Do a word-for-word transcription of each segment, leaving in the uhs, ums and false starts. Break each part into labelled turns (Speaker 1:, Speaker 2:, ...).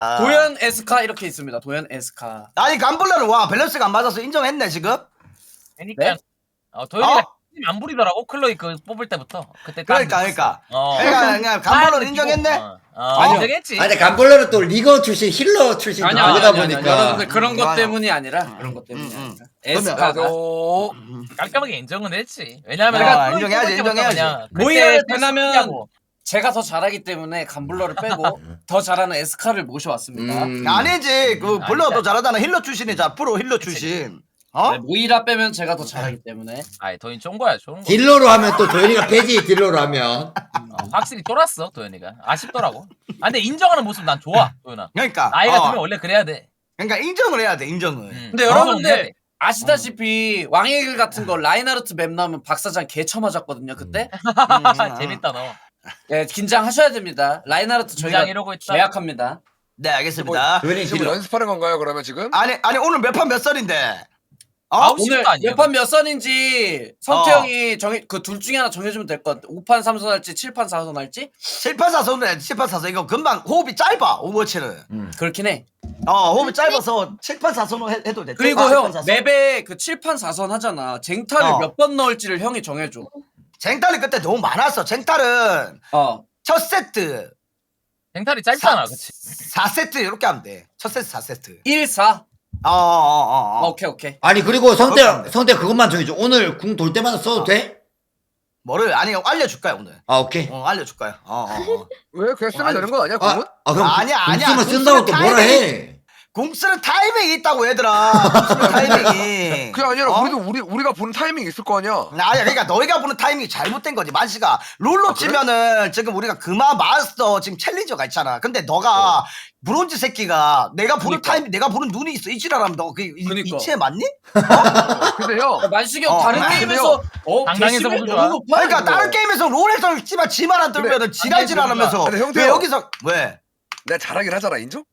Speaker 1: 아.
Speaker 2: 도현 에스카 이렇게 있습니다. 도현 에스카.
Speaker 1: 아니 감블러는 와 밸런스가 안 맞아서 인정했네 지금.
Speaker 3: 그러니까
Speaker 2: 네?
Speaker 3: 어, 도현이가
Speaker 1: 어?
Speaker 3: 힘안 부리더라고 클로이 그 뽑을 때부터. 그때
Speaker 1: 그러니까
Speaker 3: 딱
Speaker 1: 그러니까.
Speaker 3: 어.
Speaker 1: 그러니까 그냥 감블러는
Speaker 3: 아,
Speaker 1: 인정했네.
Speaker 3: 어, 어,
Speaker 2: 아니요.
Speaker 3: 인정했지.
Speaker 4: 아니 감블러는 또 리거 출신 힐러 출신
Speaker 2: 아니야,
Speaker 4: 그러다
Speaker 2: 아니야, 아니야.
Speaker 4: 보니까
Speaker 2: 여러분들 그런 것
Speaker 1: 아니야.
Speaker 2: 때문이 아니라 그런 것 때문이
Speaker 1: 음, 음.
Speaker 2: 아니라. 에스카가
Speaker 3: 나도 깔끔하게 인정은 했지. 왜냐면
Speaker 1: 아,
Speaker 3: 내가 클로이
Speaker 1: 인정해야지,
Speaker 3: 뽑을 때부터
Speaker 1: 인정해야지.
Speaker 3: 그냥
Speaker 2: 모의를
Speaker 3: 그때
Speaker 2: 대나면
Speaker 3: 쓰냐고.
Speaker 2: 제가 더 잘하기 때문에 감블러를 빼고 더 잘하는 에스카를 모셔왔습니다.
Speaker 4: 음.
Speaker 1: 아니지 그
Speaker 3: 음,
Speaker 1: 블러도
Speaker 3: 아니지.
Speaker 1: 잘하잖아. 힐러 출신이잖아. 프로 힐러 출신. 어?
Speaker 2: 네, 모이라 빼면 제가 더 잘하기 때문에.
Speaker 3: 아이 도현 좋은 거야 좋은 거.
Speaker 4: 딜러로 하면 또 도현이가 패지 딜러로 하면
Speaker 3: 어, 확실히 쫄았어 도현이가. 아쉽더라고. 아 근데 인정하는 모습 난 좋아 도현아.
Speaker 1: 그러니까
Speaker 3: 나이
Speaker 1: 어.
Speaker 3: 같으면 원래 그래야 돼.
Speaker 1: 그러니까 인정을 해야 돼 인정을.
Speaker 3: 음,
Speaker 2: 근데
Speaker 3: 인정은 해야
Speaker 2: 여러분들
Speaker 3: 돼.
Speaker 2: 아시다시피 왕의 길 같은 거 라인하르트 맵 나오면 박사장 개 쳐맞았거든요 그때.
Speaker 1: 음,
Speaker 3: 재밌다 너.
Speaker 2: 네, 긴장하셔야 됩니다. 라인하르트 저희가
Speaker 3: 긴장 이러고 있다.
Speaker 2: 계약합니다.
Speaker 1: 네 알겠습니다.
Speaker 4: 도현이
Speaker 5: 지금
Speaker 4: 딜러
Speaker 5: 연습하는 건가요 그러면 지금?
Speaker 1: 아니 아니 오늘 몇 판 몇 선인데? 어?
Speaker 3: 아홉
Speaker 2: 오늘
Speaker 3: 시부터 아니에요?
Speaker 2: 몇 판 몇 선인지 성태
Speaker 1: 어.
Speaker 2: 형이 정해 그 둘 중에 하나 정해주면 될 것 같아. 오 판 삼 선 할지 칠 판 사 선 할지.
Speaker 1: 칠 판 사 선은 칠 판 사 선 이거 금방 호흡이 짧아 오버워치는.
Speaker 2: 그렇긴 해.
Speaker 1: 어 호흡이 짧아서 칠 판 사 선은 해, 해도 돼.
Speaker 2: 그리고
Speaker 1: 칠 판
Speaker 2: 형
Speaker 1: 사 선.
Speaker 2: 맵에 그 칠 판 사 선 하잖아. 쟁탈을
Speaker 1: 어.
Speaker 2: 몇 번 넣을지를 형이 정해줘.
Speaker 1: 쟁탈이 그때 너무 많았어. 쟁탈은
Speaker 2: 어.
Speaker 1: 첫 세트
Speaker 3: 쟁탈이 짧잖아,
Speaker 1: 사-
Speaker 3: 그치?
Speaker 1: 사 세트 이렇게 하면 돼. 첫 세트 사 세트.
Speaker 2: 일, 사.
Speaker 1: 어어어 어, 어, 어.
Speaker 2: 오케이 오케이.
Speaker 4: 아니 그리고
Speaker 1: 그렇게 하면
Speaker 4: 성태
Speaker 1: 돼.
Speaker 4: 성태 그것만 정해줘 오늘 궁 돌 때마다 써도 돼?
Speaker 1: 뭐를 아니 알려줄 거야 오늘.
Speaker 4: 아 오케이
Speaker 1: 어 알려줄 거야. 어어 어.
Speaker 5: 왜 그냥 쓰면
Speaker 1: 아니,
Speaker 5: 되는 거 아니야
Speaker 4: 아,
Speaker 5: 그건?
Speaker 4: 아 그럼
Speaker 1: 아니야,
Speaker 4: 궁
Speaker 1: 아니야.
Speaker 4: 쓰면
Speaker 1: 궁
Speaker 4: 쓴다고
Speaker 1: 쓰는
Speaker 4: 또 뭐라 해
Speaker 1: 공 쓰는 타이밍이 있다고 얘들아. 공 쓰는 타이밍이.
Speaker 5: 그게 아니라
Speaker 1: 어?
Speaker 5: 우리도 우리 우리가 보는 타이밍이 있을 거 아니야.
Speaker 1: 아니야 그러니까 너희가 보는 타이밍이 잘못된 거지 만시가 롤로
Speaker 5: 아, 그래?
Speaker 1: 치면은 지금 우리가 금화 마스터 지금 챌린저가 있잖아 근데 너가 브론즈 새끼가 내가 보는
Speaker 2: 그니까.
Speaker 1: 타이밍 내가 보는 눈이 있어 이지라라면 너 그
Speaker 2: 그니까.
Speaker 1: 이치에 맞니?
Speaker 5: 근데 형
Speaker 2: 만식이 형
Speaker 1: 어,
Speaker 2: 다른
Speaker 1: 그래,
Speaker 2: 게임에서 어
Speaker 3: 당당해서
Speaker 2: 데시벨
Speaker 3: 보는
Speaker 2: 너무
Speaker 3: 거야.
Speaker 2: 높아.
Speaker 1: 그러니까
Speaker 2: 이거.
Speaker 1: 다른 게임에서 롤에서 씨발 지만 안 들면은
Speaker 5: 그래.
Speaker 1: 지랄지랄하면서
Speaker 5: 근데 형도
Speaker 1: 왜
Speaker 5: 형.
Speaker 1: 여기서 왜?
Speaker 5: 내가 잘하긴 하잖아 인정?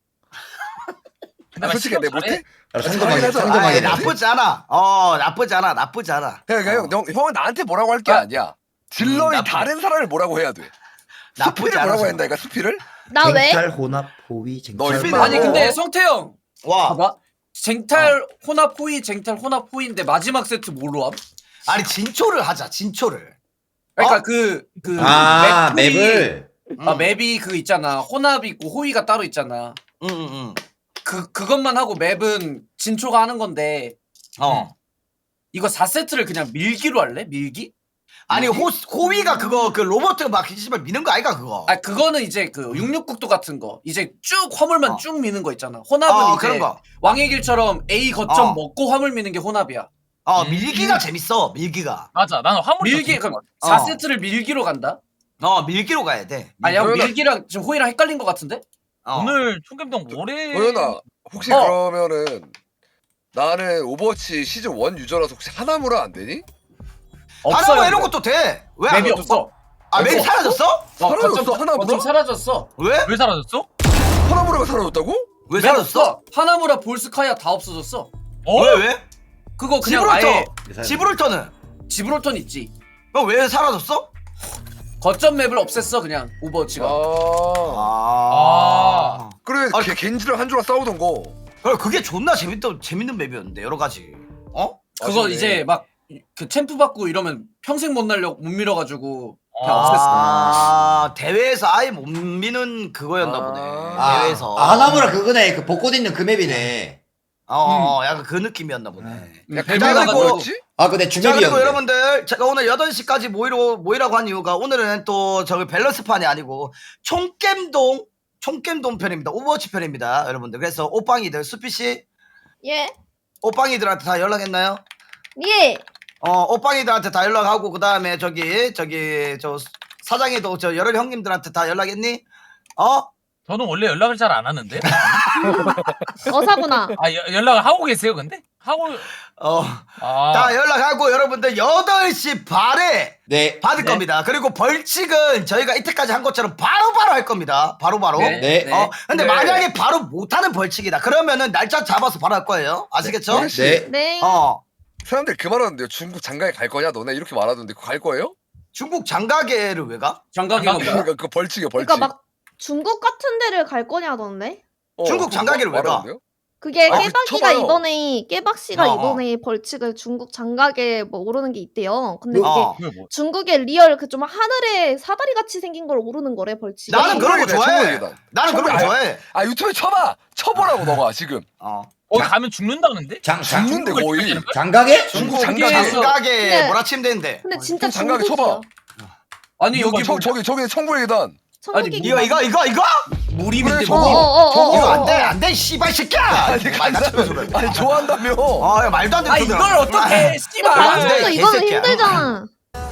Speaker 3: 근데
Speaker 5: 아, 솔직히
Speaker 3: 만식이
Speaker 5: 내 못해?
Speaker 4: 아,
Speaker 5: 잘하긴
Speaker 4: 상대방이
Speaker 5: 하잖아.
Speaker 1: 아이,
Speaker 4: 상대방이
Speaker 1: 나쁘지 않아 어 나쁘지 않아 나쁘지 않아
Speaker 5: 그러니까
Speaker 1: 어.
Speaker 5: 형, 형 형은 나한테 뭐라고 할 게 아니야. 딜러인
Speaker 1: 나쁘지.
Speaker 5: 다른 사람을 뭐라고 해야 돼.
Speaker 1: 나쁘지
Speaker 5: 수피를 뭐라고
Speaker 1: 않아서.
Speaker 5: 한다니까 수피를?
Speaker 6: 나 왜?
Speaker 4: 쟁탈 혼합 호위
Speaker 5: 너
Speaker 4: 쟁탈
Speaker 5: 임마.
Speaker 2: 아니 근데 성태 형
Speaker 1: 와
Speaker 2: 봐봐. 쟁탈 혼합 호이 쟁탈 혼합 호이인데 마지막 세트 뭘로 함?
Speaker 1: 아니 진초를 하자 진초를
Speaker 2: 그러니까
Speaker 1: 어?
Speaker 2: 그 그
Speaker 4: 아
Speaker 2: 맵 호이-
Speaker 4: 맵을
Speaker 2: 아 맵이 그 있잖아. 혼합 있고 호이가 따로 있잖아.
Speaker 1: 응응응
Speaker 2: 그 그것만 하고 맵은 진초가 하는 건데
Speaker 1: 어
Speaker 2: 이거 사 세트를 그냥 밀기로 할래? 밀기?
Speaker 1: 아니 호 호위가 그거 그 로버트 막 씨발 미는 거 아이가 그거
Speaker 2: 아 그거는 이제 그 육육국도 같은 거 이제 쭉 화물만
Speaker 1: 어.
Speaker 2: 쭉 미는 거 있잖아. 혼합은
Speaker 1: 어
Speaker 2: 이제
Speaker 1: 그런 거
Speaker 2: 왕의 길처럼 A 거점
Speaker 1: 어.
Speaker 2: 먹고 화물 미는 게 혼합이야.
Speaker 1: 어
Speaker 3: 음.
Speaker 1: 밀기가 재밌어 밀기가
Speaker 3: 맞아, 나는 화물이
Speaker 2: 밀기
Speaker 3: 더
Speaker 2: 그럼
Speaker 1: 어.
Speaker 2: 사 세트를 밀기로 간다?
Speaker 1: 어 밀기로 가야 돼
Speaker 2: 아니 형
Speaker 5: 도현아.
Speaker 2: 밀기랑 지금 호이랑 헷갈린 거 같은데?
Speaker 1: 어.
Speaker 3: 오늘 총겸동 오래
Speaker 5: 도현아 혹시
Speaker 2: 어.
Speaker 5: 그러면은 나는 오버워치 시즌 일 유저라서 혹시 하나무라 안 되니?
Speaker 2: 없어요.
Speaker 1: 하나만 이런 것도 돼 왜 안
Speaker 2: 맵이
Speaker 1: 돼?
Speaker 2: 없어.
Speaker 1: 아 맵이
Speaker 2: 없어.
Speaker 1: 사라졌어?
Speaker 2: 어,
Speaker 5: 사라졌어,
Speaker 2: 거점,
Speaker 5: 하나
Speaker 2: 거점
Speaker 5: 물어?
Speaker 2: 사라졌어.
Speaker 1: 왜?
Speaker 3: 왜 사라졌어?
Speaker 5: 하나무라가 사라졌다고?
Speaker 1: 왜
Speaker 2: 왜
Speaker 1: 사라졌어?
Speaker 2: 없어? 하나무라 볼스카야 다 없어졌어.
Speaker 3: 어?
Speaker 1: 왜 왜?
Speaker 2: 그거 그냥 아예
Speaker 1: 지브롤터 지브롤터는
Speaker 2: 지브롤턴 있지.
Speaker 1: 어, 왜 사라졌어?
Speaker 2: 거점 맵을 없앴어 그냥 오버워치가.
Speaker 5: 아.
Speaker 1: 아,
Speaker 5: 그래
Speaker 1: 아,
Speaker 5: 걔 겐지랑 한조랑 싸우던 거.
Speaker 1: 그래 그게 존나 재밌던 재밌는 맵이었는데 여러 가지 어?
Speaker 2: 그거
Speaker 5: 아쉽네.
Speaker 2: 이제 막 그 챔프 받고 이러면 평생 못 날려 못 밀어가지고 그냥
Speaker 3: 아.
Speaker 2: 없앴어.
Speaker 1: 아 대회에서 아예 못 미는 그거였나
Speaker 5: 아.
Speaker 1: 보네
Speaker 4: 아,
Speaker 1: 대회에서
Speaker 4: 아 하나무라 그거네 그 벚꽃 있는 그 맵이네
Speaker 1: 어, 어 약간 그 느낌이었나 보네
Speaker 2: 음,
Speaker 5: 야,
Speaker 2: 배가
Speaker 1: 그리고-
Speaker 2: 가지고
Speaker 5: 뭐였지?
Speaker 4: 아 근데
Speaker 1: 자 그리고
Speaker 4: 주맵이었는데
Speaker 1: 여러분들 제가 오늘 여덟 시까지 모이러, 모이라고 한 이유가 오늘은 또 저기 밸런스판이 아니고 총겜동 총겜동 편입니다 오버워치 편입니다 여러분들 그래서 오빵이들 수피씨
Speaker 6: 예.
Speaker 1: 오빵이들한테 다 연락했나요?
Speaker 6: 예.
Speaker 1: 어 오빵이들한테 다 연락하고 그 다음에 저기 저기 저 사장이도 저 여러 형님들한테 다 연락했니? 어?
Speaker 3: 저는 원래 연락을 잘 안 하는데.
Speaker 6: 어사구나.
Speaker 3: 아, 여, 연락을 하고 계세요, 근데? 하고
Speaker 1: 어,
Speaker 3: 아.
Speaker 1: 다 연락하고 여러분들 여덟 시 반에
Speaker 4: 네
Speaker 1: 받을
Speaker 3: 네.
Speaker 1: 겁니다. 그리고 벌칙은 저희가 이때까지 한 것처럼 바로바로 할 겁니다. 바로바로.
Speaker 2: 네.
Speaker 4: 네.
Speaker 1: 어, 근데
Speaker 5: 네.
Speaker 1: 만약에 바로 못하는 벌칙이다. 그러면은 날짜 잡아서 바로 할 거예요. 아시겠죠?
Speaker 5: 네.
Speaker 4: 네.
Speaker 6: 네.
Speaker 1: 어,
Speaker 5: 사람들 그 말하는데요. 중국 장가에 갈 거냐? 너네 이렇게 말하던데 그거 갈 거예요?
Speaker 1: 중국 장가계를 왜 가?
Speaker 2: 장가기가 뭐야?
Speaker 5: 그러니까 그 벌칙이요 벌칙.
Speaker 6: 그러니까 막 중국 같은 데를 갈 거냐던데?
Speaker 5: 어,
Speaker 1: 중국
Speaker 5: 그거
Speaker 1: 장가기를 왜 가?
Speaker 5: 말하는데요?
Speaker 6: 그게
Speaker 5: 아, 그
Speaker 6: 깨박이가
Speaker 5: 쳐봐요.
Speaker 6: 이번에 깨박씨가
Speaker 1: 어, 어.
Speaker 6: 이번에 벌칙을 중국 장각에 뭐 오르는 게 있대요. 근데 그게
Speaker 1: 어.
Speaker 3: 그게 뭐?
Speaker 6: 중국의 리얼 그 좀 하늘에 사다리 같이 생긴 걸 오르는 거래 벌칙.
Speaker 1: 나는 그런 거
Speaker 5: 천국이다,
Speaker 1: 좋아해.
Speaker 5: 천국이다.
Speaker 1: 나는 그런 거
Speaker 5: 천국
Speaker 1: 좋아해.
Speaker 5: 아 유튜브에 쳐봐. 쳐보라고 너가 지금.
Speaker 1: 어.
Speaker 3: 거기 가면 죽는다는데?
Speaker 4: 장, 장,
Speaker 5: 죽는데
Speaker 3: 중국을
Speaker 5: 거의.
Speaker 3: 죽이는 거야?
Speaker 4: 장가게?
Speaker 5: 중국
Speaker 1: 중국
Speaker 5: 장가게.
Speaker 1: 장가게
Speaker 6: 근데-
Speaker 1: 몰아치면 되는데.
Speaker 6: 근데 진짜
Speaker 5: 좀 장각에
Speaker 6: 중국이야.
Speaker 5: 쳐봐.
Speaker 2: 아니
Speaker 5: 여기
Speaker 2: 여기
Speaker 5: 저,
Speaker 2: 뭐
Speaker 5: 저기 저기 천국의 계단.
Speaker 6: 천국이
Speaker 1: 이거 이거 이거 이거
Speaker 2: 무림인데
Speaker 5: 그래,
Speaker 2: 뭐.
Speaker 5: 저거.
Speaker 6: 어어어.
Speaker 1: 이거 안돼 안돼 씨발 새끼야.
Speaker 5: 아니
Speaker 1: 말 같으면서 그래.
Speaker 5: 아니 좋아한다며.
Speaker 1: 아 이거 말도 안 되는
Speaker 2: 아
Speaker 1: 소리야.
Speaker 2: 이걸 어떻게 씨발.
Speaker 6: 방송도
Speaker 1: 안 돼,
Speaker 6: 이거는
Speaker 1: 개새끼야.
Speaker 6: 힘들잖아.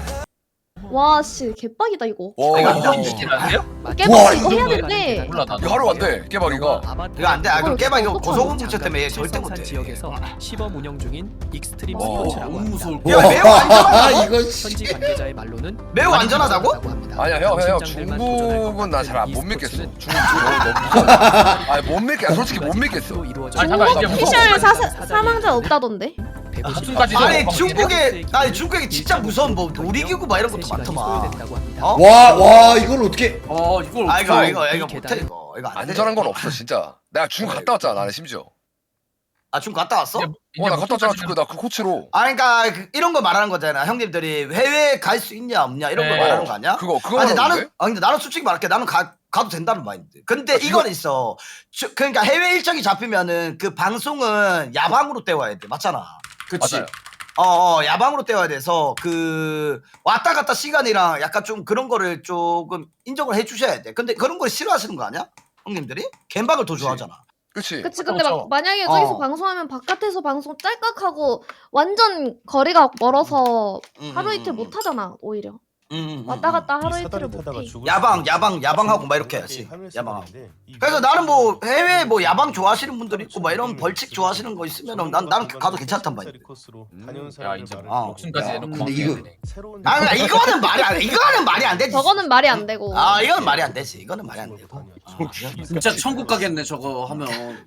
Speaker 6: 와 씨 개빡이다 이거.
Speaker 5: 와.
Speaker 1: 이거
Speaker 3: 이거
Speaker 1: 안 돼.
Speaker 3: 죽이는데요?
Speaker 4: 와,
Speaker 6: 깨박 이거 해야
Speaker 3: 이거
Speaker 6: 되는데.
Speaker 3: 몰라 나도.
Speaker 5: 이거 하러 간대 깨박이가.
Speaker 1: 이거 안돼. 아 그럼 깨봐 이거
Speaker 6: 어떡하지?
Speaker 1: 고소공 문제 때문에 얘 절대 못해.
Speaker 7: 지역에서 시범 운영 중인 익스트림
Speaker 2: 와,
Speaker 7: 스포츠라고
Speaker 2: 너무
Speaker 7: 합니다.
Speaker 2: 무서울
Speaker 1: 야, 매우 안전하다고?
Speaker 4: 이거
Speaker 7: 현지 관계자의 말로는
Speaker 1: 매우 안전하다고?
Speaker 5: 아니야 형 형
Speaker 7: 심장들만 도전할 것
Speaker 5: 중국은 나 잘
Speaker 7: 같은
Speaker 5: 못
Speaker 7: 이
Speaker 5: 믿겠어.
Speaker 7: 스포츠는
Speaker 5: 중국 너무 너무 무서워. 아니 못 믿겠어. 솔직히 못 믿겠어.
Speaker 7: 로 이루어져
Speaker 3: 아니, 잠깐만,
Speaker 6: 중국
Speaker 3: 이제 무서워.
Speaker 6: 피셜 사, 사망자 없다던데.
Speaker 3: 무슨까지
Speaker 1: 아니 중국에 아니 중국에 진짜 무서운 뭐 놀이기구 막 이런 것도 많더만. 어?
Speaker 4: 와, 와, 이걸 어떻게.
Speaker 2: 어 이걸
Speaker 1: 아 이거
Speaker 2: 어떻게-
Speaker 1: 이거
Speaker 7: 이
Speaker 1: 이거 못해
Speaker 7: 계단은
Speaker 1: 이거 이거 안 돼.
Speaker 5: 안전한 건 없어 진짜. 내가 중국 갔다 왔잖아 나는 심지어.
Speaker 1: 아 중국 갔다 왔어?
Speaker 5: 어 나 갔다 왔잖아 중국 나그 코치로.
Speaker 1: 아 그러니까 그- 이런 거 말하는 거잖아. 형님들이 해외에 갈 수 있냐 없냐 이런 거
Speaker 3: 네.
Speaker 1: 말하는 거 아니야?
Speaker 5: 그거 그거
Speaker 1: 아니
Speaker 5: 말하는
Speaker 1: 나는
Speaker 5: 건데?
Speaker 1: 아 근데 나는 솔직히 말할게 나는 가 가도 된다는 마인드. 근데
Speaker 5: 아,
Speaker 1: 이건
Speaker 5: 이거-
Speaker 1: 있어. 주- 그러니까 해외 일정이 잡히면은 그 방송은 야방으로 때워야 돼. 맞잖아.
Speaker 2: 그치.
Speaker 3: 맞아요.
Speaker 1: 어, 어 야방으로 때워야 돼서 그 왔다 갔다 시간이랑 약간 좀 그런 거를 조금 인정을 해주셔야 돼. 근데 그런 걸 싫어하시는 거 아니야? 형님들이? 갬박을 더
Speaker 5: 그치.
Speaker 1: 좋아하잖아.
Speaker 5: 그치.
Speaker 6: 그치 근데
Speaker 3: 그렇죠.
Speaker 6: 막 만약에 저기서
Speaker 1: 어.
Speaker 6: 방송하면 바깥에서 방송 짤깍하고 완전 거리가 멀어서
Speaker 1: 음,
Speaker 6: 하루
Speaker 1: 음,
Speaker 6: 이틀
Speaker 1: 음,
Speaker 6: 못 하잖아 오히려.
Speaker 1: 음, 음,
Speaker 6: 왔다
Speaker 1: 음.
Speaker 6: 갔다 하루 이틀을 못 해.
Speaker 1: 야방, 야방, 야방하고 막 이렇게 해야지. 야방하고. 그래서 나는 뭐 해외 뭐 야방 좋아하시는 분들 있고 막 이런 벌칙 좋아하시는 거 있으면은 난 나는 가도 괜찮단 말이야.
Speaker 3: 야 인정.
Speaker 1: 어.
Speaker 3: 목숨까지
Speaker 4: 야,
Speaker 3: 내놓고
Speaker 4: 근데 이거-
Speaker 3: 되네.
Speaker 1: 아 그냥 이거는 말이 안 돼. 이거는 말이 안 되지.
Speaker 6: 저거는 말이 안 되고.
Speaker 1: 아 이건 말이 안 되지. 이거는 말이 안 되고. 아, 이건-
Speaker 2: 진짜 천국 가겠네 저거 하면.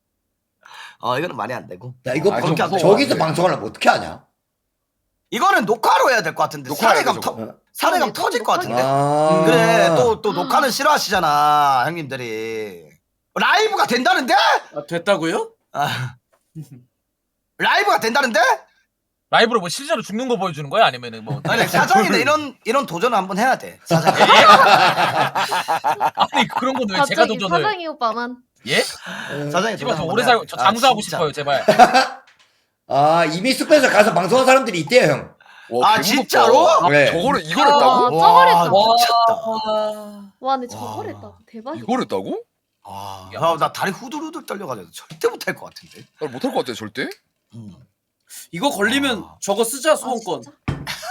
Speaker 1: 어 이거는 말이 안 되고.
Speaker 4: 야, 이거
Speaker 5: 아,
Speaker 4: 방-
Speaker 1: 좀 무서워.
Speaker 4: 저기서 방송하려면 어떻게 하냐?
Speaker 1: 이거는 녹화로 해야 될 것 같은데.
Speaker 5: 녹화해야
Speaker 1: 사례감
Speaker 5: 돼,
Speaker 1: 터
Speaker 4: 저거.
Speaker 1: 사례감
Speaker 6: 아,
Speaker 1: 터질 것 같은데.
Speaker 4: 아.
Speaker 1: 그래 또 또 녹화는 싫어하시잖아 형님들이. 라이브가 된다는데?
Speaker 2: 아, 됐다고요?
Speaker 1: 아. 라이브가 된다는데?
Speaker 3: 라이브로 뭐 실제로 죽는 거 보여주는 거야 아니면은 뭐?
Speaker 1: 아니 사장이는 이런 이런 도전을 한번 해야 돼. 사장.
Speaker 3: 아니 그런 건왜 제가
Speaker 6: 갑자기
Speaker 3: 도전을?
Speaker 6: 사장이 오빠만.
Speaker 3: 예?
Speaker 1: 사장이
Speaker 3: 집어
Speaker 1: 도전
Speaker 3: 저
Speaker 1: 한번
Speaker 3: 오래
Speaker 1: 해야
Speaker 3: 살고
Speaker 1: 돼.
Speaker 3: 저
Speaker 1: 아,
Speaker 3: 장수하고
Speaker 1: 진짜.
Speaker 3: 싶어요 제발.
Speaker 4: 아, 이미 숲에서 가서 방송한 사람들이 있대요, 형.
Speaker 5: 와,
Speaker 1: 아,
Speaker 5: 개
Speaker 1: 진짜로?
Speaker 5: 무섭다.
Speaker 4: 그래.
Speaker 5: 저거를 이걸
Speaker 6: 아,
Speaker 5: 했다고?
Speaker 6: 저걸 했다.
Speaker 1: 와, 미쳤다.
Speaker 2: 와.
Speaker 6: 와 근데
Speaker 1: 와.
Speaker 6: 저걸 했다. 대박이다.
Speaker 5: 이걸 했다고?
Speaker 1: 아, 야, 나 다리 후들후들 떨려가지고 절대 못할 것 같은데.
Speaker 5: 나 못할 것 같아 절대.
Speaker 1: 음.
Speaker 2: 이거 걸리면
Speaker 1: 아.
Speaker 2: 저거 쓰자
Speaker 6: 아,
Speaker 2: 소원권.
Speaker 6: 진짜?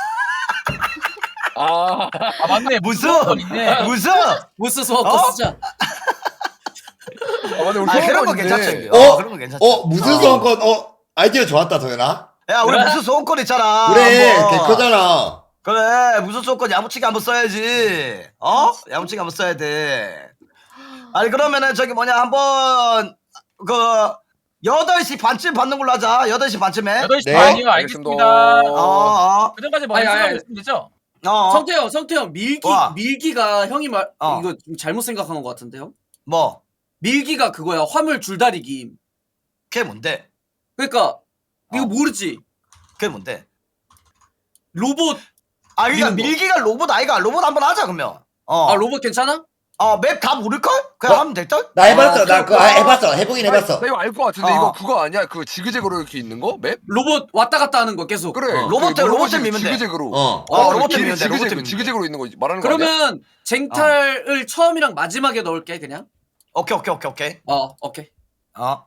Speaker 5: 아,
Speaker 3: 아 맞네
Speaker 1: 무슨
Speaker 3: 무슨 있네.
Speaker 1: 무슨?
Speaker 2: 무스 소원권
Speaker 1: 어?
Speaker 2: 쓰자.
Speaker 5: 아 맞네 우리
Speaker 1: 아 그런 거
Speaker 5: 소원권인데.
Speaker 1: 괜찮죠.
Speaker 4: 어?
Speaker 1: 어, 그런 거 괜찮죠.
Speaker 4: 어, 무슨 소원권, 어, 아이디어 좋았다, 도현아.
Speaker 1: 야, 우리 무슨 소원권 있잖아.
Speaker 4: 그래,
Speaker 1: 한번.
Speaker 4: 개 크잖아.
Speaker 1: 그래, 무슨 소원권 야무치게 한번 써야지. 어? 야무치게 한번 써야 돼. 아니 그러면은 저기 뭐냐 한번 그 여덟 시 반쯤 받는 걸로 하자. 여덟 시 반쯤에.
Speaker 3: 여덟 시
Speaker 4: 네.
Speaker 3: 반이요
Speaker 5: 알겠습니다.
Speaker 3: 알겠습니다.
Speaker 1: 어, 어,
Speaker 3: 그전까지 뭐
Speaker 2: 아니,
Speaker 3: 연습하고
Speaker 2: 아니.
Speaker 3: 있으면 되죠?
Speaker 1: 어.
Speaker 2: 성태형, 성태형 밀기
Speaker 1: 와.
Speaker 2: 밀기가 형이 말
Speaker 1: 어.
Speaker 2: 이거 좀 잘못 생각한 것 같은데요?
Speaker 1: 뭐?
Speaker 2: 밀기가 그거야 화물 줄다리기.
Speaker 1: 그게 뭔데?
Speaker 2: 그러니까 이거
Speaker 1: 어.
Speaker 2: 모르지?
Speaker 1: 그게 뭔데?
Speaker 2: 로봇
Speaker 1: 아, 그러니까
Speaker 2: 미는 거.
Speaker 1: 밀기가 로봇 아이가 로봇 한번 하자 그러면. 어.
Speaker 2: 아 로봇 괜찮아?
Speaker 1: 어, 맵 다 모를걸? 그냥
Speaker 4: 어?
Speaker 1: 하면 될걸?
Speaker 4: 나 해봤어,
Speaker 2: 아,
Speaker 4: 나 그거
Speaker 2: 그렇구나.
Speaker 4: 해봤어. 해보긴 해봤어.
Speaker 5: 나 이거 알 것 같은데
Speaker 1: 어.
Speaker 5: 이거 그거 아니야? 그 지그재그로 이렇게 있는 거? 맵?
Speaker 2: 로봇 왔다 갔다 하는 거 계속.
Speaker 5: 그래.
Speaker 4: 어.
Speaker 1: 로봇,
Speaker 5: 그
Speaker 1: 로봇
Speaker 5: 로봇이
Speaker 1: 밀면 돼.
Speaker 5: 지그재그로.
Speaker 4: 어.
Speaker 1: 어,
Speaker 5: 그
Speaker 1: 로봇
Speaker 5: 길이
Speaker 1: 밀면 돼, 로봇
Speaker 5: 지그재그
Speaker 1: 밀면 돼.
Speaker 5: 지그재그로 있는 거 말하는 거 아니야?
Speaker 2: 그러면 쟁탈을 처음이랑 마지막에 넣을게 그냥.
Speaker 1: 오케이, 오케이, 오케이, 오케이.
Speaker 2: 어 오케이.
Speaker 1: 어.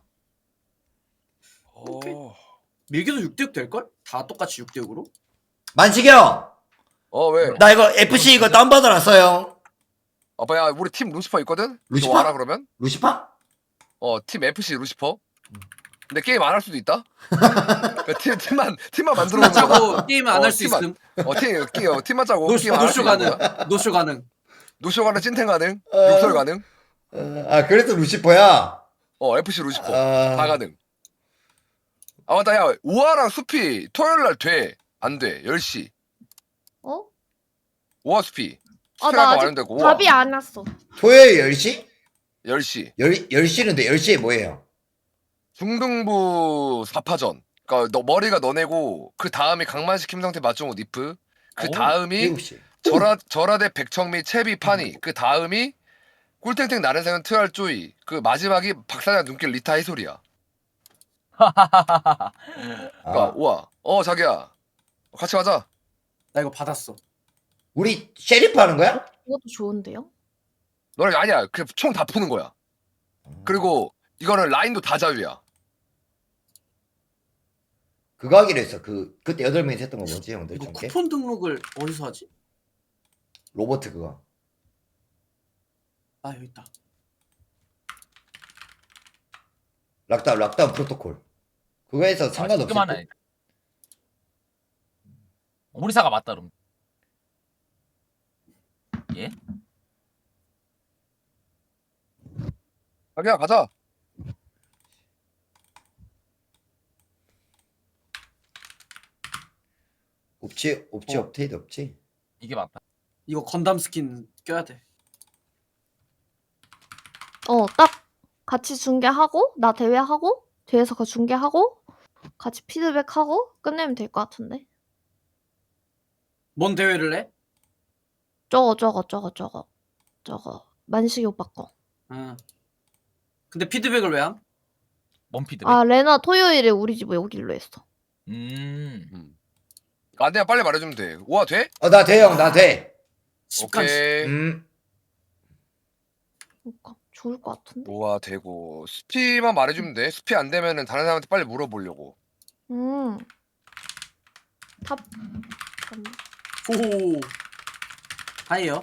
Speaker 5: 어.
Speaker 2: 밀기도 육 대 육 될걸? 다 똑같이 육 대 육으로?
Speaker 4: 만식이 형,
Speaker 5: 어 왜?
Speaker 4: 나 이거 에프씨 이거 다운받아놨어요.
Speaker 5: 아빠야 우리 팀 루시퍼 있거든?
Speaker 4: 루시퍼?
Speaker 5: 너 알아 그러면?
Speaker 4: 루시파?
Speaker 5: 어 팀 에프씨 루시퍼. 근데 게임 안 할 수도 있다. 그 팀 팀만 팀만 만들어 놓는 거다.
Speaker 2: 짜고 게임 안
Speaker 5: 어,
Speaker 2: 할 수
Speaker 5: 팀만.
Speaker 2: 있음.
Speaker 5: 어팀 게임 팀만 짜고
Speaker 2: 노쇼
Speaker 5: 게임 안할 수
Speaker 2: 노쇼
Speaker 5: 있는
Speaker 2: 가능.
Speaker 5: 거야.
Speaker 2: 노쇼 가능.
Speaker 5: 노쇼 가능, 찐텐 가능,
Speaker 4: 어.
Speaker 5: 육설 가능.
Speaker 4: 어, 아, 그래서 루시퍼야?
Speaker 5: 어 에프씨 루시퍼
Speaker 4: 아.
Speaker 5: 다 가능. 아 맞다 야 오아랑 숲이 토요일 날 돼? 안 돼? 열 시.
Speaker 6: 어?
Speaker 5: 오아 숲이.
Speaker 6: 아
Speaker 5: 숲이
Speaker 6: 나
Speaker 5: 아까
Speaker 6: 아직
Speaker 5: 말했는데 오아.
Speaker 6: 답이 안 왔어.
Speaker 4: 토요일 열 시?
Speaker 5: 열 시.
Speaker 4: 열, 열 시는데 열 시에 뭐예요?
Speaker 5: 중등부 사 파전. 그러니까 너 머리가 너네고 그 다음이 강만식, 김성태, 맞종우, 니프. 그
Speaker 3: 오,
Speaker 5: 다음이
Speaker 4: 일곱 시.
Speaker 5: 절하 절하대 백청미, 채비, 파니. 그 다음이 꿀탱탱 나른생은 트알 쪼이. 그 마지막이 박사장 눈길 리타 해솔이야. 그러니까
Speaker 4: 아,
Speaker 5: 우와. 어 자기야. 같이 가자.
Speaker 2: 나 이거 받았어.
Speaker 4: 우리 셰리프 하는 거야?
Speaker 6: 이것도 좋은데요?
Speaker 5: 너네 아니야. 그 총 다 푸는 거야. 그리고 이거는 라인도 다 자유야.
Speaker 4: 그거 하기로 했어. 그 그때 여덟 명이 했던 거 뭐지 형들
Speaker 2: 이거
Speaker 4: 전개?
Speaker 2: 쿠폰 등록을 어디서 하지?
Speaker 4: 로버트 그거.
Speaker 2: 아 여기 있다.
Speaker 4: 락다운 락다운 프로토콜. 그거에서 상관없어.
Speaker 3: 지금 하나. 오리사가 맞다 그럼. 예?
Speaker 5: 자기야 가자.
Speaker 4: 없지 없지
Speaker 2: 어.
Speaker 4: 업데이트 없지.
Speaker 3: 이게 맞다.
Speaker 2: 이거 건담 스킨 껴야 돼.
Speaker 6: 어, 딱 같이 중계하고 나 대회하고 뒤에서 그 중계하고 같이 피드백하고 끝내면 될 것 같은데.
Speaker 2: 뭔 대회를 해?
Speaker 6: 저거 저거 저거 저거 저거 만식이 오빠 거.
Speaker 2: 응. 근데 피드백을 왜 함?
Speaker 3: 뭔 피드백?
Speaker 6: 아 레나 토요일에 우리 집에 오기로 했어.
Speaker 3: 음.
Speaker 5: 음. 안 돼, 빨리 말해주면 돼. 우와 돼?
Speaker 4: 어나 돼 형 나 돼.
Speaker 2: 십간
Speaker 5: 오케이.
Speaker 4: 음.
Speaker 6: 그러니까 좋을 것 같은데.
Speaker 5: 우와 되고 스피만 말해주면 돼. 스피 안 되면은 다른 사람한테 빨리 물어보려고.
Speaker 6: 음. 탑. 잠깐만.
Speaker 2: 오. 하이요.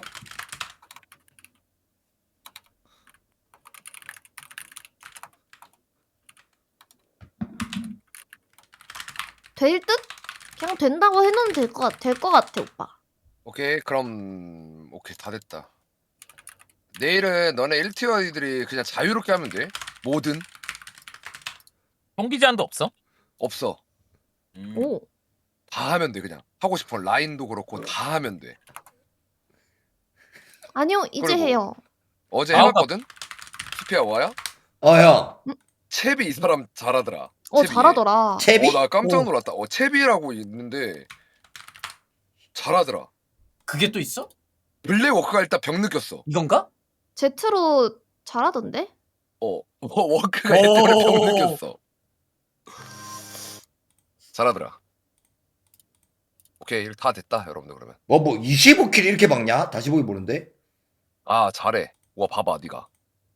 Speaker 6: 될 듯? 그냥 된다고 해놓으면 될 것 같, 될것 같아 오빠.
Speaker 5: 오케이 그럼 오케이 다 됐다. 내일은 너네 일 티어들이 그냥 자유롭게 하면 돼. 뭐든
Speaker 3: 동기 제한도 없어?
Speaker 5: 없어.
Speaker 3: 음.
Speaker 6: 오.
Speaker 5: 다 하면 돼 그냥. 하고 싶은 라인도 그렇고 다 하면 돼.
Speaker 6: 아니요 이제
Speaker 5: 그리고-
Speaker 6: 해요.
Speaker 5: 어제
Speaker 3: 아우,
Speaker 5: 해봤거든? 스피야 와야?
Speaker 4: 어 형.
Speaker 5: 채비 이 사람 잘하더라.
Speaker 6: 어
Speaker 5: 채비.
Speaker 6: 잘하더라.
Speaker 4: 채비?
Speaker 5: 어, 나 깜짝
Speaker 4: 오.
Speaker 5: 놀랐다. 어, 채비라고 있는데 잘하더라.
Speaker 2: 그게 또 있어?
Speaker 5: 블랙워크가 일단 병 느꼈어.
Speaker 2: 이건가?
Speaker 6: 제트로 잘하던데?
Speaker 5: 어, 워- 워크가 일단 병
Speaker 2: 오.
Speaker 5: 느꼈어. 잘하더라. 오케이, 다 됐다, 여러분들 그러면.
Speaker 4: 뭐뭐 이십오 킬 이렇게 박냐? 다시 보기 보는데.
Speaker 5: 아, 잘해. 와, 봐봐, 네가.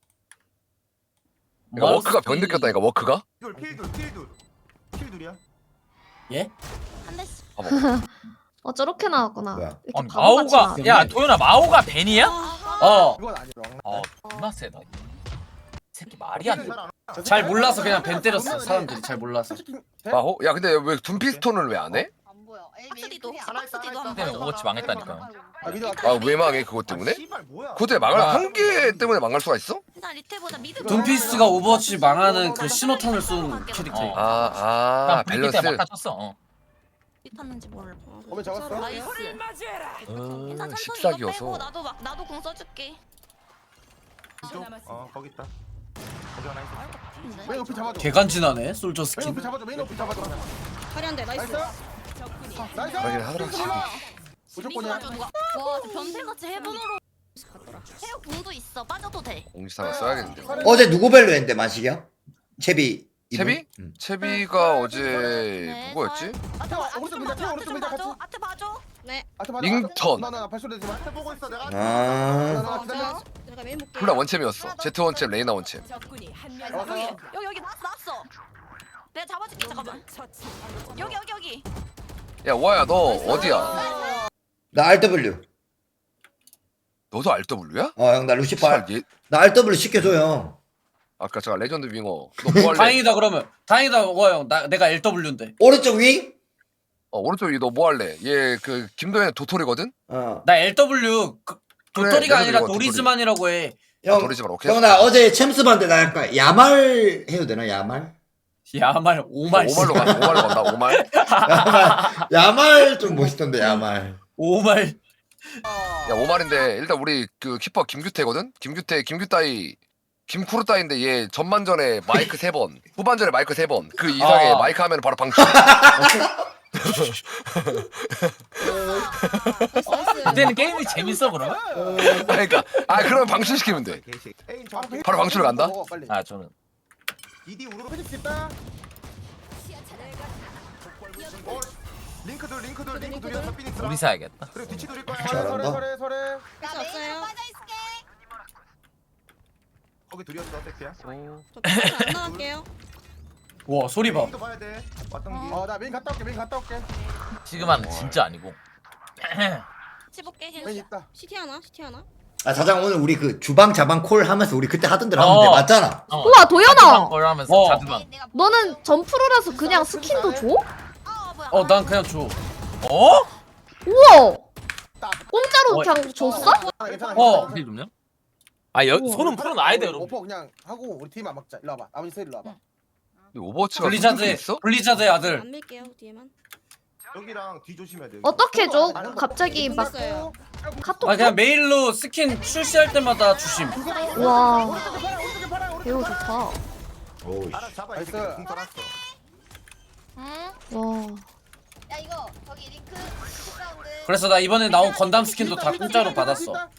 Speaker 5: 그러니까
Speaker 2: 마우스
Speaker 5: 워크가 병
Speaker 2: 키-
Speaker 5: 느꼈다니까, 워크가.
Speaker 8: 필둘 필둘 필둘 필둘이야?
Speaker 2: 예?
Speaker 6: 한 대씩.
Speaker 5: 봐봐.
Speaker 6: 어 저렇게 나왔구나.
Speaker 4: 뭐야?
Speaker 6: 이렇게
Speaker 3: 아니,
Speaker 6: 바보같이
Speaker 3: 마오가
Speaker 6: 나왔네.
Speaker 3: 야 도현아 마오가 벤이야?
Speaker 2: 어.
Speaker 8: 이건 아니야.
Speaker 3: 어 존나 세다. 이 새끼 말이 안 돼.
Speaker 2: 잘 몰라서 그냥 벤 때렸어. 사람들이 잘 몰라서.
Speaker 5: 아, 어? 야, 근데 왜 둠피스톤을 왜 안 해?
Speaker 9: 안 보여.
Speaker 6: 박스디도
Speaker 9: 박스디도
Speaker 6: 한
Speaker 3: 때문에 오버워치 망했다니까.
Speaker 5: 아, 왜 망해, 그것 때문에?
Speaker 8: 씨발 뭐야?
Speaker 5: 그것 때문에 망할,
Speaker 3: 아.
Speaker 5: 한 개 때문에 망할 수가 있어?
Speaker 9: 일단 리테보다 미드.
Speaker 2: 둠피스가 오버워치 망하는 그 신호탄을 쏜 캐릭터야.
Speaker 3: 어.
Speaker 5: 아, 아,
Speaker 3: 난 브리기 때
Speaker 5: 밸런스.
Speaker 3: 막아줬어. 어.
Speaker 9: 탔는지 몰라.
Speaker 8: 어머 잡았어?
Speaker 9: 나이스.
Speaker 5: 어,
Speaker 9: 일단 천천히 이거
Speaker 5: 십사기여서.
Speaker 9: 빼고 나도 막 나도 공 써줄게.
Speaker 8: 이쪽? 어 거기 있다. 거기 하나 있어.
Speaker 9: 근데.
Speaker 8: 메인 오피 잡아줘.
Speaker 2: 개간지나네 솔저
Speaker 8: 메인
Speaker 2: 스킨.
Speaker 8: 오피 잡아줘. 메인 오피 잡아줘.
Speaker 9: 화려한데
Speaker 8: 나이스. 나이스.
Speaker 5: 그러긴 하더라, 집이.
Speaker 8: 무조건이야.
Speaker 9: 누가? 와, 저 변태같이 해븐으로 갔더라. 해요 공도 있어. 빠져도 돼.
Speaker 5: 공지사가 써야겠는데.
Speaker 4: 어제 누구 벨로 했는데 만식이야? 채비. 이분?
Speaker 5: 채비?
Speaker 4: 응.
Speaker 5: 채비가 어제
Speaker 9: 네,
Speaker 5: 누구였지?
Speaker 9: 아트
Speaker 8: 태워,
Speaker 9: 아트
Speaker 8: 오른쪽
Speaker 9: 좀
Speaker 8: 밀자,
Speaker 9: 봐줘.
Speaker 8: 태워,
Speaker 9: 아트 좀
Speaker 8: 오른쪽 밀자,
Speaker 9: 봐줘.
Speaker 8: 같이.
Speaker 9: 아트 봐줘. 네.
Speaker 8: 아트 맞아.
Speaker 5: 링턴.
Speaker 8: 나나 발소리 되지 마. 태 보고 있어. 내가.
Speaker 4: 아.
Speaker 8: 나 기다려.
Speaker 9: 내가 메인 볼게.
Speaker 5: 콜라 원챔이었어. 제트 원챔, 레이나 원챔.
Speaker 9: 여기 여기 여기 나왔어 나왔어. 내가 잡아줄게 잠깐만. 여기 여기 여기.
Speaker 5: 야, 와야 너 어디야?
Speaker 4: 나 알더블유.
Speaker 5: 너도 알더블유야?
Speaker 4: 어 형 나 루시파.
Speaker 5: 씨발, 얘
Speaker 4: 나 알더블유 시켜줘요.
Speaker 5: 아까 제가 레전드 윙어. 너 뭐 할래?
Speaker 2: 다행이다 그러면. 다행이다 와 형. 나 내가 엘더블유인데.
Speaker 4: 오른쪽 윙?
Speaker 5: 어, 오른쪽 위 너 뭐 할래? 얘 그 김도현 도토리거든?
Speaker 4: 어.
Speaker 2: 나 엘더블유 그,
Speaker 5: 그래,
Speaker 2: 도토리가
Speaker 5: 내가
Speaker 2: 아니라
Speaker 5: 이거 도토리.
Speaker 2: 도리즈만이라고 해.
Speaker 4: 형.
Speaker 5: 도리지만 오케이.
Speaker 4: 형 나 어제 챔스 봤는데 나 약간 야말 해도 되나 야말?
Speaker 2: 야말 오말
Speaker 5: 오말로 가. 오말로 간다. 오말.
Speaker 4: 야말. 야말 좀 멋있던데 야말.
Speaker 2: 오말.
Speaker 5: 야, 오말인데 일단 우리 그 키퍼 김규태거든? 김규태, 김규따이 김쿠르따인데 얘 전반전에 마이크 세 번, 후반전에 마이크 세 번. 그 이상의
Speaker 2: 어.
Speaker 5: 마이크 하면 바로 방출.
Speaker 3: 그때는 게임이 재밌어 그러면?
Speaker 5: 그러니까 아 그러면 방출시키면 돼. 바로 방출을 간다?
Speaker 3: 아 저는
Speaker 8: 이디 우르르 해줄 수 있다. 어, 링크들 링크들 링크들이었어 피닉스.
Speaker 3: 우리 사야겠다.
Speaker 8: 그래 뒤치 돌릴 거야.
Speaker 4: 잘한다.
Speaker 8: 설에 설에 설에.
Speaker 9: 나 메인 빠져 있을게.
Speaker 8: 거기 둘이었어 새끼야.
Speaker 9: 저안 나갈게요.
Speaker 2: 와 소리 봐.
Speaker 8: 메인도 봐야 돼. 왔던 길. 어나 메인 갔다 올게 메인 갔다 올게.
Speaker 3: 지금은 진짜 아니고.
Speaker 9: 치볼게
Speaker 8: 메인
Speaker 9: 힐.
Speaker 8: 있다.
Speaker 9: 시티 하나 시티 하나.
Speaker 4: 아 사장 오늘 우리 그 주방 자방 콜 하면서 우리 그때 하던 대로
Speaker 3: 어.
Speaker 4: 하면 돼 맞잖아.
Speaker 3: 어.
Speaker 6: 우와 도연아.
Speaker 3: 걸 하면서
Speaker 2: 어.
Speaker 3: 자두방.
Speaker 9: 내가
Speaker 6: 너는 전프로라서 그냥 스킨도 줘?
Speaker 9: 어 뭐야?
Speaker 2: 어 난 그냥 줘.
Speaker 3: 어?
Speaker 6: 우와. 공짜로
Speaker 2: 어.
Speaker 6: 그냥 줬어?
Speaker 8: 아, 괜찮아.
Speaker 2: 어.
Speaker 3: 힐 좀요? 아 여,
Speaker 6: 우와.
Speaker 3: 손은 풀어놔야 돼 여러분.
Speaker 8: 오퍼 그냥 하고 우리 팀 안 막자. 일로 와봐. 아버지 세 일로 와봐.
Speaker 5: 오버워치가
Speaker 2: 블리자드
Speaker 5: 있어?
Speaker 2: 블리자드의 아들.
Speaker 9: 안 밀게요 뒤에만.
Speaker 8: 여기랑 뒤 조심해야 돼.
Speaker 6: 어떻게 줘? 갑자기 막
Speaker 9: 끝났어요.
Speaker 6: 카톡
Speaker 2: 아
Speaker 6: 줘?
Speaker 2: 그냥 메일로 스킨 출시할 때마다 주심.
Speaker 6: 와 배우 좋다.
Speaker 4: 오우.
Speaker 8: 알아 잡아.
Speaker 2: 나이스.
Speaker 8: 나이스. 궁 떠났어.
Speaker 9: 응?
Speaker 6: 와
Speaker 9: 야 이거 저기 링크 사운드.
Speaker 2: 그래서 나 이번에 나온 건담 스킨도 다 공짜로 받았어.
Speaker 8: 나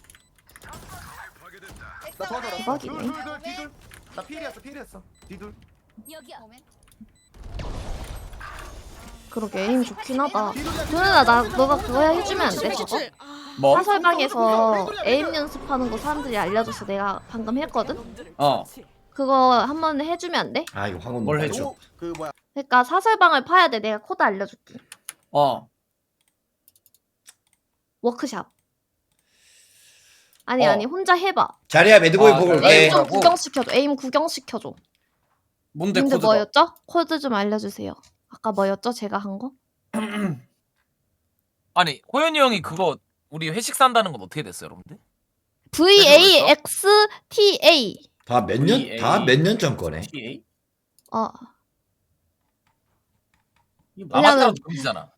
Speaker 8: 도와줘라.
Speaker 6: 대박이네.
Speaker 8: 둘, 둘, 둘, 뒤둘. 나 필이었어 필이었어. 뒤둘.
Speaker 9: 여기야.
Speaker 6: 그러게 에임 좋긴 하다. 도연아 나 너가 그거 해주면 안 돼? 저거?
Speaker 2: 뭐?
Speaker 6: 사설방에서 에임 연습하는 거 사람들이 알려줘서 내가 방금 했거든?
Speaker 2: 어.
Speaker 6: 그거 한번 해주면 안 돼?
Speaker 4: 아 이거 황혼
Speaker 2: 뭘
Speaker 4: 못
Speaker 2: 해줘?
Speaker 4: 봐줘.
Speaker 8: 그 뭐야?
Speaker 6: 그러니까 사설방을 파야 돼. 내가 코드 알려줄게.
Speaker 2: 어.
Speaker 6: 워크샵. 아니
Speaker 2: 어.
Speaker 6: 아니 혼자 해봐.
Speaker 4: 자리야 매드보이
Speaker 2: 아,
Speaker 4: 보고
Speaker 2: 그래.
Speaker 4: 올게.
Speaker 6: 에임 좀
Speaker 2: 하고.
Speaker 6: 구경시켜줘. 에임 구경시켜줘.
Speaker 2: 뭔데
Speaker 6: 근데
Speaker 2: 코드가?
Speaker 6: 뭐였죠? 코드 좀 알려주세요. 아까 뭐였죠? 제가 한 거?
Speaker 3: 아니 호연이 형이 그거 우리 회식 산다는 건 어떻게 됐어요 여러분들?
Speaker 6: 브이 에이 엑스 티 에이.
Speaker 4: 다 몇 년?
Speaker 2: 브이 에이.
Speaker 4: 다 몇 년 전 거네.
Speaker 2: 티에이?
Speaker 6: 어.
Speaker 3: 이거 마마타로
Speaker 6: 왜냐면-
Speaker 3: 금지잖아.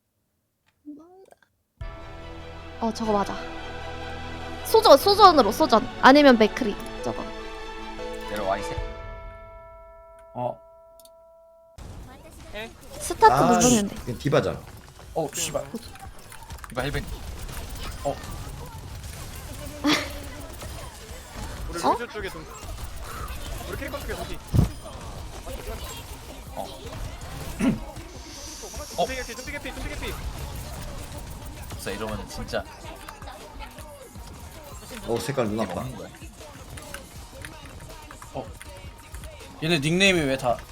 Speaker 6: 어 저거 맞아. 소전 소전으로 소전. 아니면 맥크리 저거.
Speaker 3: 내려와 이새.
Speaker 2: 어.
Speaker 6: 스타트
Speaker 4: 아,
Speaker 6: 누르면 돼.
Speaker 4: 이건 디바잖아.
Speaker 2: 어 씨발.
Speaker 3: 이봐 힐벤.
Speaker 8: 우리
Speaker 6: 어?
Speaker 8: 루즈 쪽에 좀. 우리 캐릭터 쪽에 저기.
Speaker 3: 어.
Speaker 8: tumpi게 피, tumpi게 피, tumpi게 피.
Speaker 3: 진짜 이러면 진짜
Speaker 4: 어 색깔 눈 아파.
Speaker 3: 먹는 거야.
Speaker 2: 얘네 닉네임이 왜 다?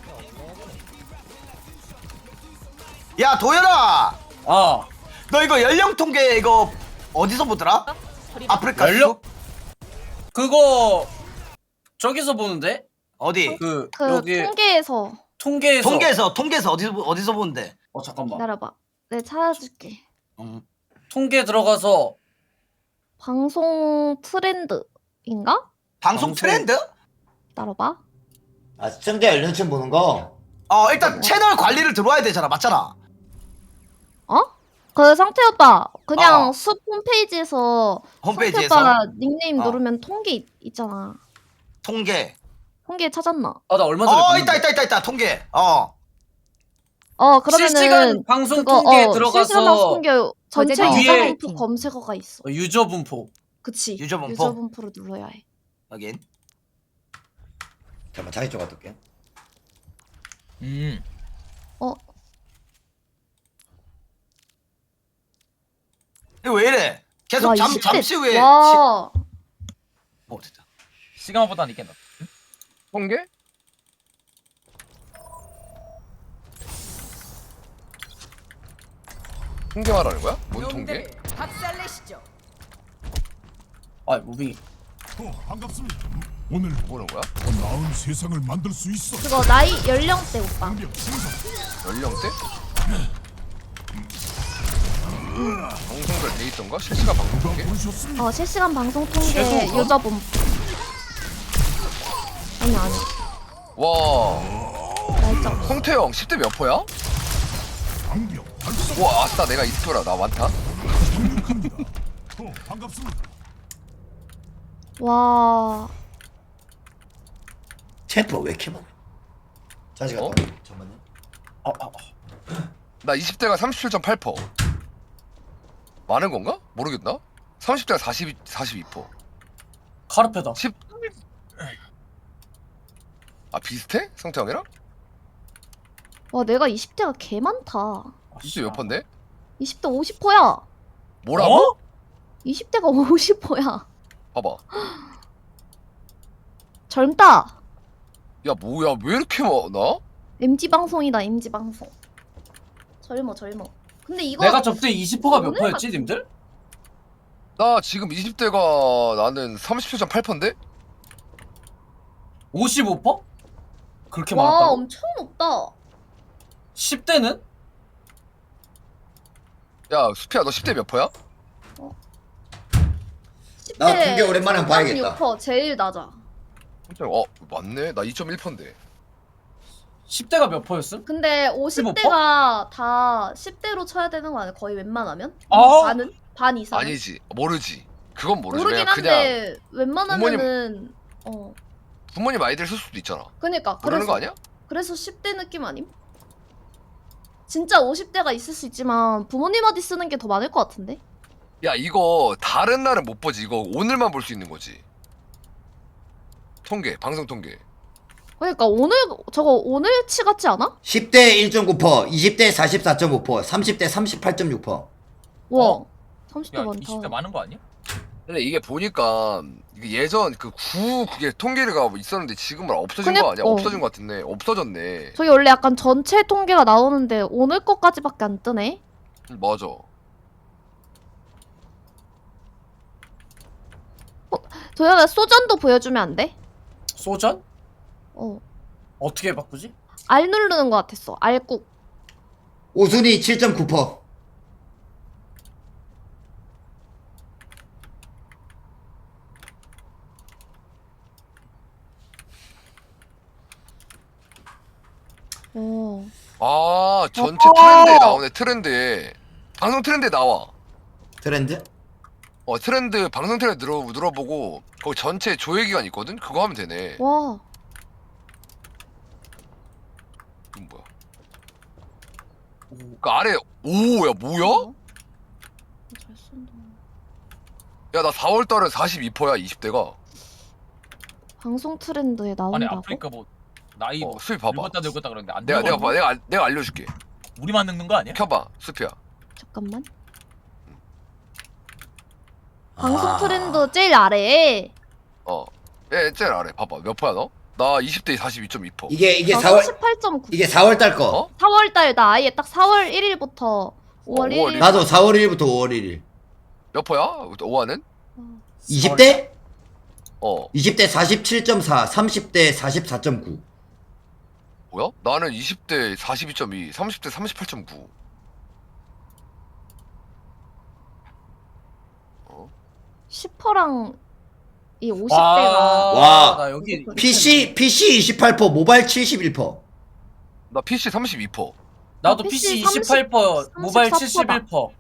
Speaker 1: 야 도연아,
Speaker 2: 아
Speaker 1: 너 이거 연령 통계 이거 어디서 보더라? 아프리카
Speaker 2: 연령?
Speaker 1: 숲?
Speaker 2: 그거 저기서 보는데?
Speaker 1: 어디?
Speaker 2: 그,
Speaker 6: 그
Speaker 2: 여기
Speaker 6: 통계에서
Speaker 2: 통계에서.
Speaker 1: 통계에서 통계에서 어디서 보- 어디서 보는데?
Speaker 2: 어 잠깐만.
Speaker 6: 기다려봐. 내가 찾아줄게.
Speaker 1: 음.
Speaker 2: 통계 들어가서
Speaker 6: 방송 트렌드인가?
Speaker 1: 방송
Speaker 2: 방송-
Speaker 1: 트렌드?
Speaker 6: 기다려봐.
Speaker 4: 아 시청자 연령층 보는 거.
Speaker 1: 어 일단 채널 관리를 들어와야 되잖아, 맞잖아.
Speaker 6: 어? 그 상태 오빠 그냥
Speaker 1: 어.
Speaker 6: 숲 홈페이지에서
Speaker 1: 홈페이지에서
Speaker 6: 상태 오빠가 닉네임
Speaker 1: 어.
Speaker 6: 누르면 통계 있, 있잖아.
Speaker 1: 통계.
Speaker 6: 통계 찾았나?
Speaker 2: 아 나 얼마 전에
Speaker 1: 어
Speaker 2: 봤는데.
Speaker 1: 있다 있다 있다 있다 통계. 어.
Speaker 6: 어 그러면은
Speaker 2: 실시간 방송
Speaker 6: 그거,
Speaker 2: 통계에
Speaker 6: 어,
Speaker 2: 들어가서
Speaker 6: 실시간 방송 통계 전체
Speaker 2: 위에-
Speaker 6: 유저 분포 검색어가 있어.
Speaker 2: 어, 유저 분포.
Speaker 6: 그치.
Speaker 1: 유저 분포?
Speaker 6: 유저 분포를 눌러야 해.
Speaker 1: 여긴.
Speaker 4: 잠깐 자기 쪽 가둘게.
Speaker 3: 음.
Speaker 6: 어
Speaker 1: 이거 왜 이래? 계속
Speaker 6: 와,
Speaker 1: 잠
Speaker 6: 이십 대.
Speaker 1: 잠시 후에.
Speaker 6: 와.
Speaker 1: 시... 어 진짜.
Speaker 3: 시간보다는 이게 낫.
Speaker 5: 통계? 통계 말하는 거야? 뭔 통계?
Speaker 2: 아 무빙이.
Speaker 10: 어, 반갑습니다. 오늘
Speaker 5: 뭐는 거야?
Speaker 10: 더 나은 세상을 만들 수 있어.
Speaker 6: 그거 나이 연령대 오빠.
Speaker 10: 방벽 생성.
Speaker 5: 연령대? 방송별 돼 있던가? 실시간 방송
Speaker 10: 누가
Speaker 5: 통계?
Speaker 10: 보셨습니까?
Speaker 6: 어 실시간 방송 통계
Speaker 2: 최소가?
Speaker 6: 유저 분포. 아니 아니.
Speaker 5: 와
Speaker 6: 날짜.
Speaker 5: 홍태영 십 대 몇 포야?
Speaker 10: 방벽 달성.
Speaker 5: 와 아싸 내가 이스토라 나 많다.
Speaker 10: 착륙합니다. 어, 반갑습니다.
Speaker 6: 와.
Speaker 4: 챔프 왜 이렇게 많아? 다시 갔다
Speaker 5: 어?
Speaker 4: 와. 잠깐만요.
Speaker 2: 어, 어, 어.
Speaker 5: 나 이십 대가 삼십칠 점 팔 퍼센트. 많은 건가? 모르겠나? 삼십 대가 사십이, 사십이 퍼센트.
Speaker 2: 카르페다.
Speaker 5: 십. 아 비슷해? 성태형이랑?
Speaker 6: 와 내가 이십 대가 개 많다.
Speaker 5: 이십 대 몇 퍼인데?
Speaker 6: 이십 대 오십 퍼야.
Speaker 5: 뭐라고?
Speaker 2: 어?
Speaker 6: 이십 대가 오십 퍼야.
Speaker 5: 봐봐.
Speaker 6: 젊다.
Speaker 5: 야 뭐야 왜 이렇게 많아?
Speaker 6: 엠지 방송이다 엠지 방송. 젊어 젊어. 근데 이거
Speaker 2: 내가 접대 이십 퍼가 몇
Speaker 6: 오늘
Speaker 2: 퍼였지,
Speaker 6: 같은-
Speaker 2: 님들?
Speaker 5: 나 지금 이십 대가 나는 삼십칠 점 팔 퍼센트인데?
Speaker 2: 오십오 퍼? 그렇게
Speaker 6: 와
Speaker 2: 많았다고?
Speaker 6: 엄청 높다.
Speaker 2: 십 대는?
Speaker 5: 야 수피야 너 십 대 몇 퍼야?
Speaker 6: 십
Speaker 4: 나
Speaker 6: 대
Speaker 4: 중계 오랜만에 한번 봐야겠다.
Speaker 6: 삼십육 퍼 제일 낮아.
Speaker 5: 어 맞네 나 이 점 일 퍼센트인데.
Speaker 2: 십 대가 몇 퍼였음?
Speaker 6: 근데 오십 대가 다 십 대로 쳐야 되는 거 아니야? 거의 웬만하면?
Speaker 2: 아.
Speaker 6: 반은? 반 이상?
Speaker 5: 아니지 모르지. 그건 모르지.
Speaker 6: 모르긴
Speaker 5: 그냥, 그냥
Speaker 6: 한데 웬만하면은 어
Speaker 5: 부모님 아이들 쓸 수도 있잖아.
Speaker 6: 그니까
Speaker 5: 모르는
Speaker 6: 그래서
Speaker 5: 거 아니야?
Speaker 6: 그래서 십 대 느낌 아님? 진짜 오십 대가 있을 수 있지만 부모님한테 쓰는 게 더 많을 것 같은데?
Speaker 5: 야 이거 다른 날은 못 보지. 이거 오늘만 볼 수 있는 거지. 통계 방송 통계.
Speaker 6: 그러니까 오늘 저거 오늘치 같지 않아?
Speaker 4: 십 대 일 점 구 퍼센트, 이십 대 사십사 점 오 퍼센트, 삼십 대 삼십팔 점 육 퍼센트.
Speaker 6: 와
Speaker 3: 어?
Speaker 6: 삼십 대
Speaker 3: 야
Speaker 6: 많다.
Speaker 3: 이십 대 많은 거 아니야?
Speaker 5: 근데 이게 보니까 이게 예전 그 구 그게 통계가 있었는데 지금은 없어진
Speaker 6: 근데-
Speaker 5: 거 아니야?
Speaker 6: 어.
Speaker 5: 없어진 거 같은데 없어졌네.
Speaker 6: 저기 원래 약간 전체 통계가 나오는데 오늘 거까지밖에 안 뜨네?
Speaker 5: 음, 맞아.
Speaker 6: 도현아 소전도 보여주면 안 돼?
Speaker 2: 소전?
Speaker 6: 어
Speaker 2: 어떻게 바꾸지?
Speaker 6: 알 누르는 것 같았어. 알국.
Speaker 4: 오순이 칠 점 구 퍼센트.
Speaker 6: 어.
Speaker 5: 아 전체 트렌드에 나오네. 트렌드에 방송 트렌드에 나와.
Speaker 4: 트렌드?
Speaker 5: 어 트렌드 방송 트렌드 늘어 늘어보고 거기 전체 조회 기간 있거든. 그거 하면 되네.
Speaker 6: 와.
Speaker 5: 이건 뭐야? 그 아래 오야 뭐야?
Speaker 6: 어? 잘 쓴다.
Speaker 5: 야 나 사월 달에 사십이 퍼센트야 이십 대가.
Speaker 6: 방송 트렌드에
Speaker 3: 아니
Speaker 6: 나온다고?
Speaker 3: 아프리카 뭐 나이
Speaker 5: 어
Speaker 3: 뭐
Speaker 5: 수비 봐봐.
Speaker 3: 늙었다 늙었다 그러는데 안
Speaker 5: 내가 내가
Speaker 3: 늙었나?
Speaker 5: 봐 내가 알- 내가 알려줄게.
Speaker 3: 우리만 늙는 거 아니야?
Speaker 5: 켜봐 수피야.
Speaker 6: 잠깐만. 방송
Speaker 4: 아.
Speaker 6: 트렌드 제일 아래에
Speaker 5: 어. 예 제일 아래 봐봐 몇 퍼야 너? 나 이십 대 사십이 점 이 퍼센트.
Speaker 4: 이게 이게
Speaker 6: 나
Speaker 4: 사월
Speaker 6: 삼십팔 점 구.
Speaker 4: 이게 사월 달 거.
Speaker 5: 어?
Speaker 6: 사월 달 나 아예 딱 사월 일 일부터 오월
Speaker 5: 오월
Speaker 6: 일 일.
Speaker 4: 나도 사월 일 일부터 오월 일 일.
Speaker 5: 몇 퍼야? 오화는?
Speaker 4: 이십 대?
Speaker 5: 어.
Speaker 4: 이십 대 사십칠 점 사, 삼십 대 사십사 점 구.
Speaker 5: 뭐야? 나는 이십 대 사십이 점 이, 삼십 대 삼십팔 점 구.
Speaker 6: 십 퍼랑 이 오십
Speaker 2: 와,
Speaker 6: 대가
Speaker 4: 와.
Speaker 2: 나 여기
Speaker 4: 피씨 피씨 이십팔 퍼센트, 모바일 칠십일 퍼센트.
Speaker 5: 나 피씨 삼십이 퍼센트.
Speaker 2: 나도
Speaker 6: 아,
Speaker 2: 피씨
Speaker 6: 피씨
Speaker 2: 이십팔 퍼, 모바일
Speaker 6: 삼십사 퍼다.
Speaker 2: 칠십일 퍼.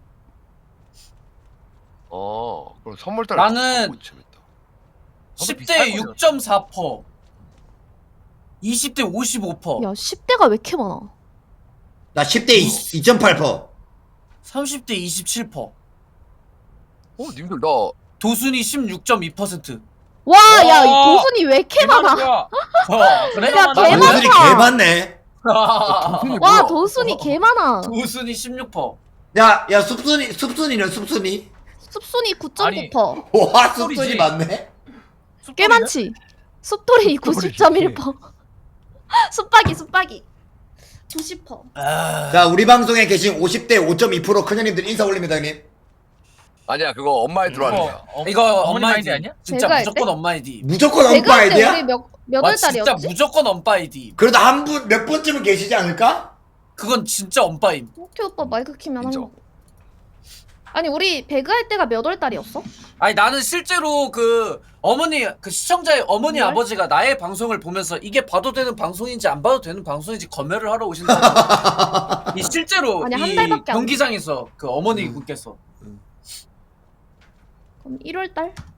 Speaker 5: 어. 그럼 선물 달.
Speaker 2: 나는
Speaker 5: 재밌다.
Speaker 2: 십
Speaker 3: 비슷할
Speaker 2: 대
Speaker 3: 거예요.
Speaker 2: 육 점 사 퍼. 이십 대 오십오 퍼.
Speaker 6: 야 십 대가 왜 이렇게 많아?
Speaker 4: 나 십 대 이 점 팔 퍼센트.
Speaker 2: 삼십 대 이십칠 퍼.
Speaker 5: 어, 님들 나
Speaker 2: 도순이 십육 점 이 퍼센트.
Speaker 6: 와, 야, 이
Speaker 2: 와.
Speaker 6: 도순이 왜 이렇게 많아?
Speaker 3: 야
Speaker 2: 어, 그래?
Speaker 6: 야, 개
Speaker 4: 도순이
Speaker 6: 많다.
Speaker 4: 개 많네.
Speaker 5: 도순이
Speaker 6: 와,
Speaker 5: 뭐야?
Speaker 6: 도순이 개 많아.
Speaker 2: 도순이 십육 퍼.
Speaker 4: 야, 야 숲순이 숲순이는 숲순이.
Speaker 6: 숲순이 구 점 구
Speaker 3: 아니.
Speaker 6: 퍼.
Speaker 4: 와, 숲순이
Speaker 3: 숲소리지.
Speaker 4: 많네.
Speaker 6: 꽤 많지? 숲돌이 구십 점 일 퍼. 숲박이, 숲박이. 구십 퍼.
Speaker 2: 아,
Speaker 4: 자, 우리 방송에 계신 오십 대 오 점 이 퍼센트 큰형님들 인사 올립니다, 형님.
Speaker 5: 아니야, 그거 엄마에 들어가는 거야.
Speaker 3: 어,
Speaker 2: 이거
Speaker 3: 어머니
Speaker 2: 엄마
Speaker 3: 마인드
Speaker 2: 아이디
Speaker 3: 아니야?
Speaker 2: 진짜
Speaker 6: 제가 할
Speaker 2: 무조건 엄마 아이디.
Speaker 4: 무조건 엄빠
Speaker 6: 내가 할때 우리
Speaker 4: 아이디야?
Speaker 6: 몇, 몇
Speaker 2: 와,
Speaker 6: 월
Speaker 2: 진짜
Speaker 6: 달이었지?
Speaker 2: 무조건 엄빠 아이디.
Speaker 4: 그래도 한 분 몇 번쯤은 계시지 않을까?
Speaker 2: 그건 진짜 엄빠임.
Speaker 6: 오케이 오빠 마이크 키면
Speaker 5: 인정.
Speaker 6: 한 거. 아니 우리 배그 할 때가 몇 월 달이었어?
Speaker 2: 아니 나는 실제로 그 어머니 그 시청자의 어머니
Speaker 6: 뭘?
Speaker 2: 아버지가 나의 방송을 보면서 이게 봐도 되는 방송인지 안 봐도 되는 방송인지 검열을 하러 오신다. 이 실제로
Speaker 6: 아니, 한
Speaker 2: 이
Speaker 6: 달밖에 안
Speaker 2: 경기장에서 그 어머니 분께서
Speaker 6: 그럼 일 월 달?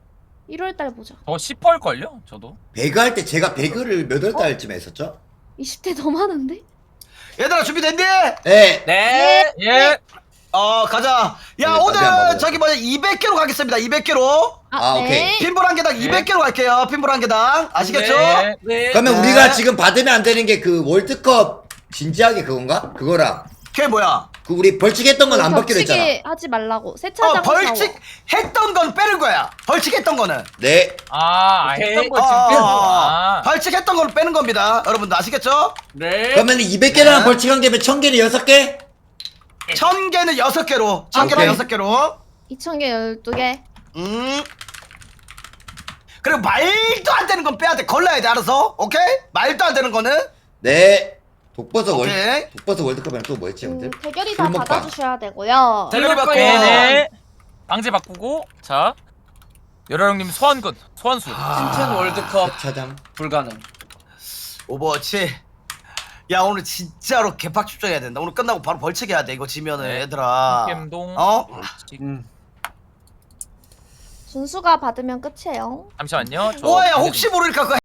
Speaker 6: 일월 달 보자.
Speaker 3: 저 십 퍼일걸요? 저도.
Speaker 4: 배그 할 때 제가 배그를 몇 월 달쯤에 했었죠?
Speaker 6: 이십 대 더 많은데?
Speaker 1: 얘들아 준비됐니?
Speaker 4: 네.
Speaker 3: 네. 예.
Speaker 1: 어 가자. 야
Speaker 4: 네,
Speaker 1: 오늘
Speaker 4: 담배 안 먹어요.
Speaker 1: 저기 뭐냐 이백 개로 가겠습니다. 이백 개로.
Speaker 4: 아, 오케이.
Speaker 1: 핀볼 한 개당 이백 개로 갈게요. 핀볼 한 개당. 아시겠죠?
Speaker 3: 네.
Speaker 2: 네.
Speaker 4: 그러면
Speaker 1: 네.
Speaker 4: 우리가 지금 받으면 안 되는 게 그 월드컵 진지하게 그건가? 그거랑
Speaker 1: 그게 뭐야?
Speaker 4: 그 우리 벌칙했던 건 안 받기로 했잖아.
Speaker 6: 겹치게 하지 말라고. 세차장
Speaker 1: 어 벌칙 했던 건 빼는 거야. 벌칙 했던 거는.
Speaker 4: 네.
Speaker 3: 아,
Speaker 2: 오케이.
Speaker 3: 했던 거
Speaker 1: 어,
Speaker 3: 지금
Speaker 1: 어,
Speaker 3: 빼고.
Speaker 1: 어.
Speaker 3: 아.
Speaker 1: 벌칙 했던 걸 빼는 겁니다. 여러분들 아시겠죠?
Speaker 2: 네.
Speaker 4: 그러면 이백 개랑
Speaker 1: 네.
Speaker 4: 벌칙 한 개면 천 개는 여섯 개?
Speaker 1: 천 개는 여섯 개로. 천 개랑
Speaker 4: 오케이.
Speaker 1: 여섯 개로.
Speaker 6: 이천 개 열두 개.
Speaker 1: 음. 그리고 말도 안 되는 건 빼야 돼. 걸러야 돼. 알아서. 오케이? 말도 안 되는 거는.
Speaker 4: 네. 독버섯 월
Speaker 1: 오케이.
Speaker 4: 독버섯 월드컵이랑 또 뭐 했지,
Speaker 6: 음,
Speaker 4: 형들?
Speaker 6: 대결이 다
Speaker 4: 술먹방.
Speaker 6: 받아주셔야 되고요.
Speaker 1: 대결이 받고.
Speaker 3: 네네. 방제 바꾸고. 자. 열혈형님 소환군. 소환수.
Speaker 2: 팀텐 월드컵
Speaker 4: 차장.
Speaker 2: 불가능.
Speaker 1: 오버워치. 야 오늘 진짜로 개팍 출전해야 된다. 오늘 끝나고 바로 벌칙해야 돼. 이거 지면은
Speaker 3: 네.
Speaker 1: 얘들아.
Speaker 3: 캠동.
Speaker 1: 어?
Speaker 2: 음.
Speaker 6: 준수가 받으면 끝이에요.
Speaker 3: 잠시만요. 저
Speaker 1: 오야
Speaker 3: 방제 좀-
Speaker 1: 혹시 모르니까 그